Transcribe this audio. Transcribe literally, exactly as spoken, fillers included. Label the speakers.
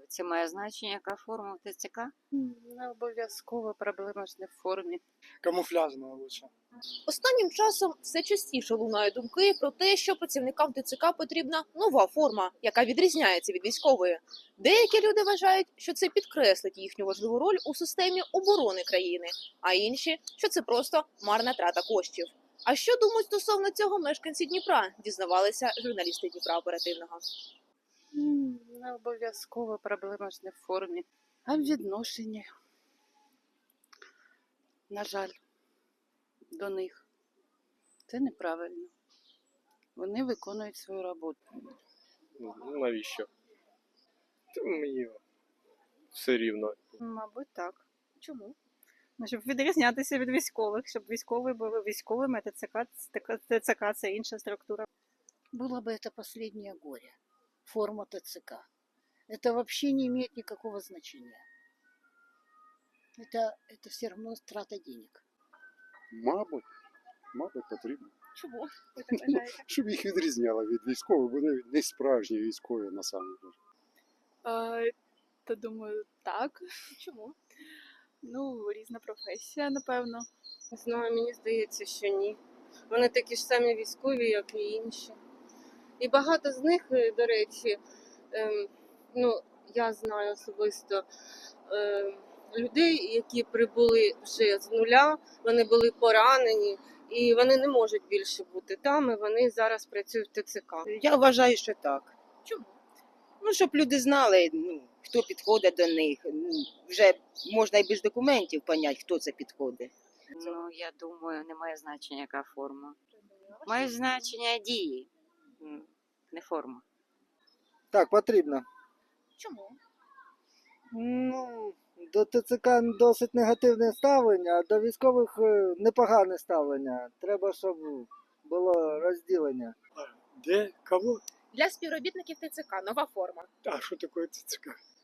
Speaker 1: Це має значення, яка форма в ТЦК?
Speaker 2: Не обов'язково, проблема ж не в формі.
Speaker 3: Камуфляжная лучше.
Speaker 4: Останнім часом все частіше лунають думки про те, що працівникам ТЦК потрібна нова форма, яка відрізняється від військової. Деякі люди вважають, що це підкреслить їхню важливу роль у системі оборони країни, а інші, що це просто марна трата коштів. А що думають стосовно цього мешканці Дніпра, дізнавалися журналісти Дніпра оперативного.
Speaker 2: М, Не обов'язково, проблема ж не в формі, а в відношенні. На жаль, до них. Це неправильно. Вони виконують свою роботу.
Speaker 5: Ну, навіщо? Та мені все рівно.
Speaker 6: Мабуть, так.
Speaker 4: Чому?
Speaker 6: Ну, щоб відрізнятися від військових, щоб військові були військовими, ТЦК, ТЦК – це інша структура.
Speaker 7: Было бы это последнее горе. Форма ТЦК. Это вообще не имеет никакого значения. Это, это все равно трата денег.
Speaker 8: Мабуть, мабуть, потрібно.
Speaker 4: Чому?
Speaker 6: Ви так вважаєте?
Speaker 8: Щоб їх відрізняло від військових, бо вони не справжні військові насамперед.
Speaker 9: А, та думаю, так.
Speaker 4: Чому?
Speaker 9: Ну, різна професія, напевно.
Speaker 2: Не знаю, мені здається, що ні. Вони такі ж самі військові, як і інші. І багато з них, е, до речі, ем, ну, я знаю особисто ем, людей, які прибули вже з нуля, вони були поранені, і вони не можуть більше бути там, і вони зараз працюють в ТЦК.
Speaker 10: Я вважаю, що так.
Speaker 4: Чому?
Speaker 10: Ну, щоб люди знали, ну, хто підходить до них. Ну, вже можна і без документів поняти, хто це підходить.
Speaker 1: Ну, я думаю, не має значення, яка форма. Має значення дії, м, не форма.
Speaker 3: Так, потрібно.
Speaker 4: Чому?
Speaker 3: Ну, до ТЦК досить негативне ставлення, а до військових е, непогане ставлення. Треба, щоб було розділення.
Speaker 11: Де? Кого?
Speaker 4: Для співробітників ТЦК нова форма.
Speaker 11: А що таке ТЦК?